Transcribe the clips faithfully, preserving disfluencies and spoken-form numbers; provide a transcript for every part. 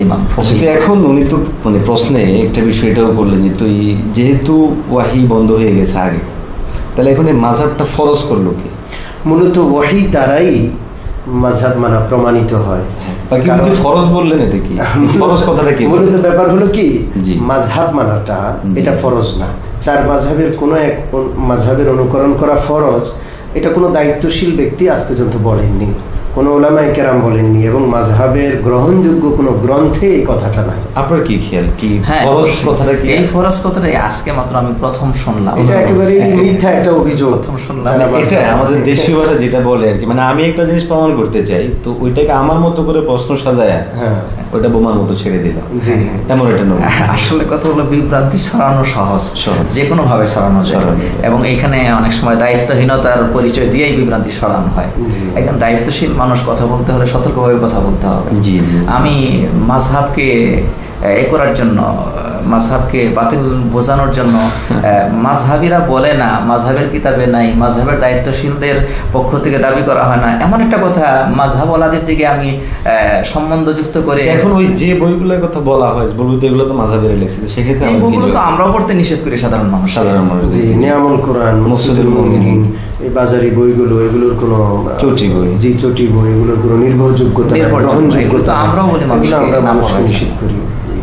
ইমাম। এখন উনি তো মানে প্রশ্নে একটা বিষয় এটাও বললেন যে তুই যেহেতু ওয়াহি বন্ধ হয়ে গেছে আগে, তাহলে এখন এই মাযহাবটা ফরজ করলো কি? মূলত ওয়াহি দ্বারাই মাযহাব মানা প্রমাণিত হয়। ফরজ বললেন এটা কি? ফরজ কথাটা কি? মূলত ব্যাপার হলো কি, মাযহাব মানাটা এটা ফরজ না। চার মাযহাবের কোনো এক মাযহাবের অনুকরণ করা ফরজ, এটা কোনো দায়িত্বশীল ব্যক্তি আজ পর্যন্ত বলেননি, কোনো উলামায়ে কেরাম বলেননি, এবং মাযহাবের গ্রহণযোগ্য কোনো গ্রন্থে এই কথাটা নাই। আপনার কি খেয়াল কি হ্যাঁ, ফরজ কথাটা কি? এই ফরজ কথাটা আজকে মাত্র আমি প্রথম শুনলাম। এটা একেবারে মিথ্যা একটা অভিযোগ। প্রথম শুনলাম এটা আমাদের দেশীয় ভাষা যেটা বলে আর কি, মানে আমি একটা জিনিস প্রমাণ করতে চাই, তো ওইটাকে আমার মতো করে প্রশ্ন সাজায় হ্যাঁ ওইটা বোমার মতো ছেড়ে দিলাম। জি, এমন এটা নয়। আসলে কথা হলো বিভ্রান্তি ছড়ানো সহজ, যে কোনো ভাবে ছড়ানো যায়, এবং এখানে অনেক সময় দায়িত্বহীনতার পরিচয় দিয়েই বিভ্রান্তি ছড়ানো হয়। একজন দায়িত্বশীল মানুষ কথা বলতে হলে সতর্কভাবে কথা বলতে হবে। আমি মাযহাবকে এ করার জন্য, মাযহাবকে বাতিল বোঝানোর জন্য, মাযহাবিরা বলে না, মাযহাবের কিতাবে নাই, মাযহাবের দায়িত্বশীলদের পক্ষ থেকে দাবি করা হয় না, এমন একটা কথা মাযহাবওয়ালাদের দিকে আমি সম্বন্ধযুক্ত করে এখন ওই যে বইগুলোর কথা বলা হয় বলবো তো এগুলো তো মাযহাবের লেখছে, সেক্ষেত্রে এই বইগুলো তো আমরাও পড়তে নিষেধ করি সাধারণ মানুষ। সাধারণ মানুষ জি, নিয়ামুল কোরআন, মুফসিদুল মুমিনিন, এই বাজারি বইগুলো, এগুলোর কোনো চটি বই, জি চটি বই, এগুলোর কোনো নির্ভরযোগ্যতা, গ্রহণযোগ্যতা আমরাও বলি, আমরা মানুষকে নিষেধ করি।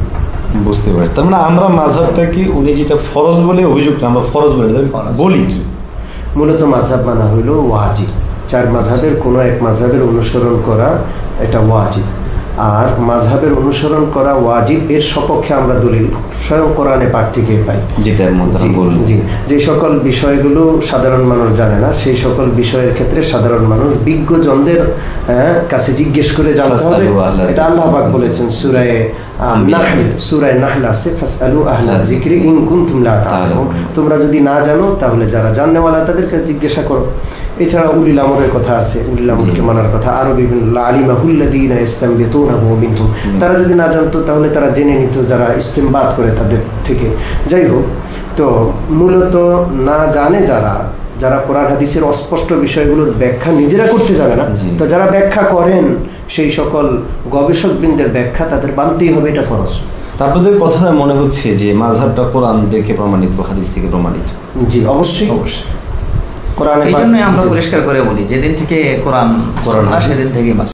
বুঝতে পারছি। তার মানে আমরা মাযহাবটা কি উনি যেটা ফরজ বলে অভিযোগ, আমরা ফরজ বলে বলি কি? মূলত মাযহাব মানা হইল ওয়াজিব। চার মাযহাবের কোনো এক মাযহাবের অনুসরণ করা এটা ওয়াজিব, আর মাযহাবের অনুসরণ করা ওয়াজিব এর সপক্ষে আমরা দলিল স্বয়ং কোরআনে পাক থেকে পাই। যেটার মধ্যে জি, যে সকল বিষয়গুলো সাধারণ মানুষ জানে না, সেই সকল বিষয়ের ক্ষেত্রে সাধারণ মানুষ বিজ্ঞজনদের কাছে জিজ্ঞেস করে জানতে হবে। এটা আল্লাহ পাক বলেছেন সূরা নাহল, সূরা নাহল আছে, ফাসআলু আহলা যিকরি ইন কুনতুম লা তা'লামুন, তোমরা যদি না জানো তাহলে যারা জানেওয়ালা তাদের কাছে জিজ্ঞাসা করো। এছাড়া উলিল আমরের কথা আছে, উলিল আমরকে মানার কথা, আরো বিভিন্ন আলিমাহুল্লাযীনা ইসতামবিতুনাহু মিনহুম, তারা যদি না জানতো তাহলে তারা জেনে নিত যারা ইস্তেমবাত করে তাদের থেকে। যাই হোক, তো মূলত না জানে যারা, যারা কোরআন হাদিসের অস্পষ্ট বিষয়গুলোর ব্যাখ্যা নিজেরা করতে জানে না, তো যারা ব্যাখ্যা করেন সেই সকল গবেষকবৃন্দের ব্যাখ্যা তাদের মানতেই হবে, এটা ফরজ। তারপরে কথা মনে হচ্ছে যে মাযহাবটা কোরআন থেকে প্রমাণিত, হাদিস থেকে প্রমাণিত। জি, অবশ্যই অবশ্যই। এই জন্যই আমরা পরিষ্কার করে বলি, যেদিন থেকে কোরআন কোরআন সেদিন থেকে